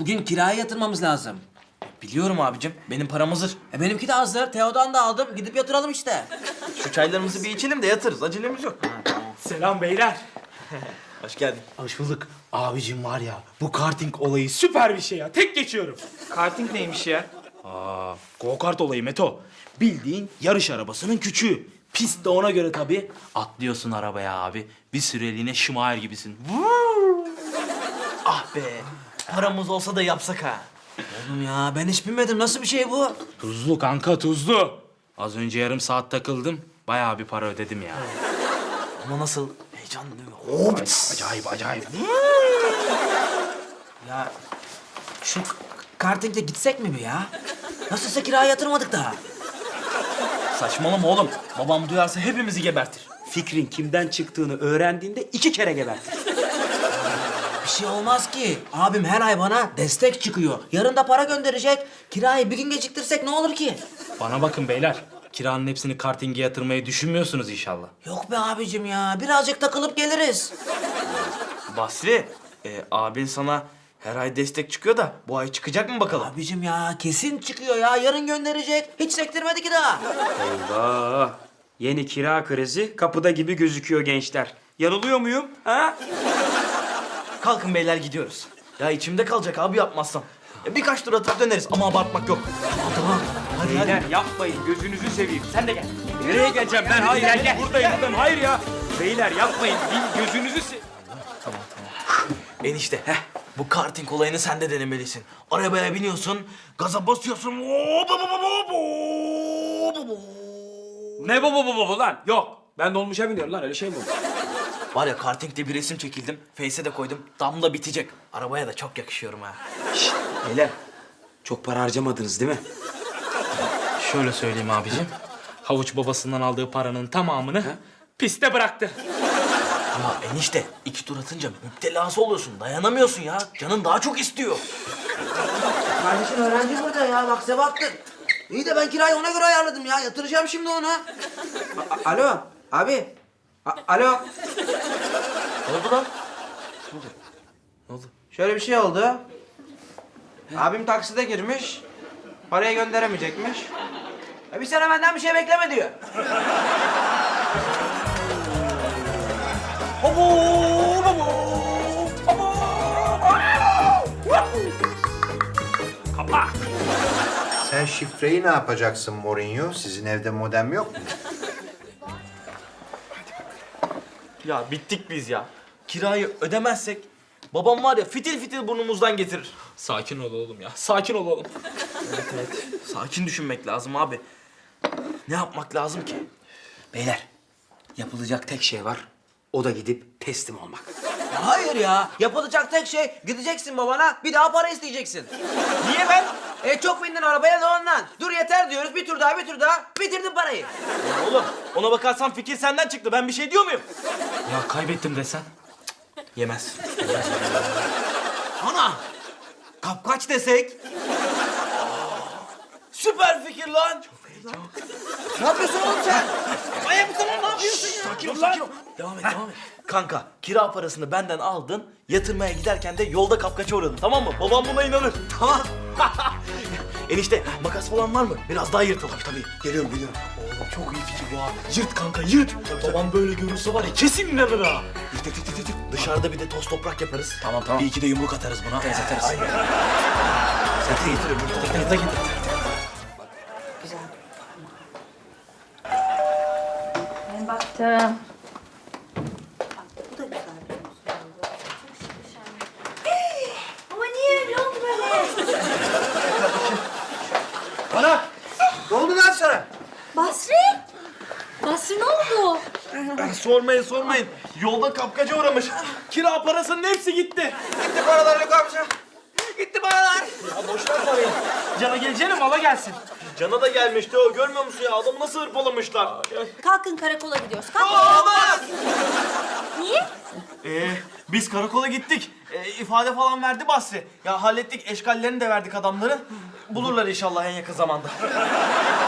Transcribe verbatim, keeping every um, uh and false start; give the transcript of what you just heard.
Bugün kiraya yatırmamız lazım. Biliyorum abicim. Benim param hazır. E benimki de hazır. Teo'dan da aldım. Gidip yatıralım işte. Şu çaylarımızı bir içelim de yatırız. Acelemiz yok. Selam beyler. Hoş geldin. Hoş bulduk. Abicim var ya, bu karting olayı süper bir şey ya. Tek geçiyorum. Karting neymiş ya? Aa, go kart olayı Meto. Bildiğin yarış arabasının küçüğü. Pist de ona göre tabii. Atlıyorsun arabaya abi. Bir süreliğine Schumacher gibisin. Vuuu! Ah be. Paramız olsa da yapsak ha. Oğlum ya ben hiç bilmedim. Nasıl bir şey bu? Tuzlu kanka, tuzlu. Az önce yarım saat takıldım. Bayağı bir para ödedim ya. Ama nasıl? Heyecanlı değil mi? Hop. Acayip acayip. Ya şu k- karting'e gitsek mi bir ya? Nasılsa kiraya yatırmadık daha. Saçmalama oğlum. Babam duyarsa hepimizi gebertir. Fikrin kimden çıktığını öğrendiğinde iki kere gebertir. Bir şey olmaz ki. Abim her ay bana destek çıkıyor. Yarın da para gönderecek. Kirayı bir gün geciktirsek ne olur ki? Bana bakın beyler. Kiranın hepsini kartinge yatırmayı düşünmüyorsunuz inşallah. Yok be abicim ya. Birazcık takılıp geliriz. Basri, e, abin sana her ay destek çıkıyor da bu ay çıkacak mı bakalım? Abicim ya kesin çıkıyor ya. Yarın gönderecek. Hiç sektirmedi ki daha. Eyvah! Yeni kira krizi kapıda gibi gözüküyor gençler. Yanılıyor muyum? Ha? Kalkın beyler gidiyoruz. Ya içimde kalacak abi yapmazsam. Ya birkaç tur atıp döneriz ama abartmak yok. Tamam. Hadi hadi. Beyler yapmayın, gözünüzü seveyim. Sen de gel. Nereye geleceğim ben? Hayır, gel, gel. Buradayım, buradayım. Hayır ya. Beyler yapmayın, bir gözünüzü se... Enişte, heh. Bu karting olayını sen de denemelisin. Arabaya biniyorsun, gaza basıyorsun. Hop, hop, hop, hop, hop, hop, hop. Ne baba baba baba lan? Yok. Ben dolmuşa biniyorum lan, öyle şey mi olur? Var ya kartingde bir resim çekildim. Face'e de koydum. Damla bitecek. Arabaya da çok yakışıyorum ha. Beyler, çok para harcamadınız değil mi? Şöyle söyleyeyim abicim. Havuç babasından aldığı paranın tamamını piste bıraktı. Ama enişte iki tur atınca müptelası oluyorsun. Dayanamıyorsun ya. Canın daha çok istiyor. Kardeşin öğrenci burada ya. Bak Sebahattin. İyi de ben kirayı ona göre ayarladım ya. Yatıracağım şimdi ona. A- Alo abi. A- Alo. Ne oldu lan? Ne oldu? Şöyle bir şey oldu. Abim takside girmiş. Parayı gönderemeyecekmiş. E bir sene benden bir şey bekleme diyor. Sen şifreyi ne yapacaksın Mourinho? Sizin evde modem yok mu? Ya bittik biz ya. Kirayı ödemezsek babam var ya fitil fitil burnumuzdan getirir. Sakin ol oğlum ya. Sakin ol oğlum. Evet evet. Sakin düşünmek lazım abi. Ne yapmak lazım ki? Beyler, yapılacak tek şey var. O da gidip teslim olmak. Hayır ya. Yapılacak tek şey gideceksin babana bir daha para isteyeceksin. Niye ben? E çok bindin arabaya da ondan. Dur yeter diyoruz. Bir tur daha bir tur daha. Bitirdin parayı. Ya oğlum ona bakarsan fikir senden çıktı. Ben bir şey diyor muyum? Ya kaybettim desen. Yemez. Ana. Kapkaç desek. Süper fikir lan. Ne yapıyorsun oğlum sen? Manyak mısın oğlum? Ne yapıyorsun ya? Sakin ol, sakin ol. Devam et, devam et. Kanka, kira parasını benden aldın. Yatırmaya giderken de yolda kapkaça uğradın, tamam mı? Babam buna inanır. Tamam. Enişte, makas falan var mı? Biraz daha yırtalım. Tabii, tabii. Geliyorum, geliyorum. Oğlum çok iyi fikir bu ha. Yırt kanka, yırt. Babam böyle görürse var ya kesin inanır ha. Yırt, yırt, yırt, yırt, yırt. Dışarıda bir de toz toprak yaparız. Tamam, tamam. Bir iki de yumruk atarız buna. Tez atarız. Aynen. Sen de getir, yumruk da getir. Ben baktım. Ama niye öyle oldu böyle? Bana! Ne oldu lan sana? Basri? Basri ne oldu? Sormayın, sormayın. Yolda kapkaca uğramış. Kira parasının hepsi gitti. Gitti paralar yok amca. Gitti paralar. Ya boş ver parayı. Cana geleceğine mala gelsin. Cana da gelmişti o. Görmüyor musun ya? Adamı nasıl hırpalamışlar? Kalkın karakola gidiyoruz. Kalk. Olmaz! Niye? Ee, biz karakola gittik. Ee, ifade falan verdi Basri. Ya hallettik. Eşkallerini de verdik adamların. Bulurlar inşallah en yakın zamanda.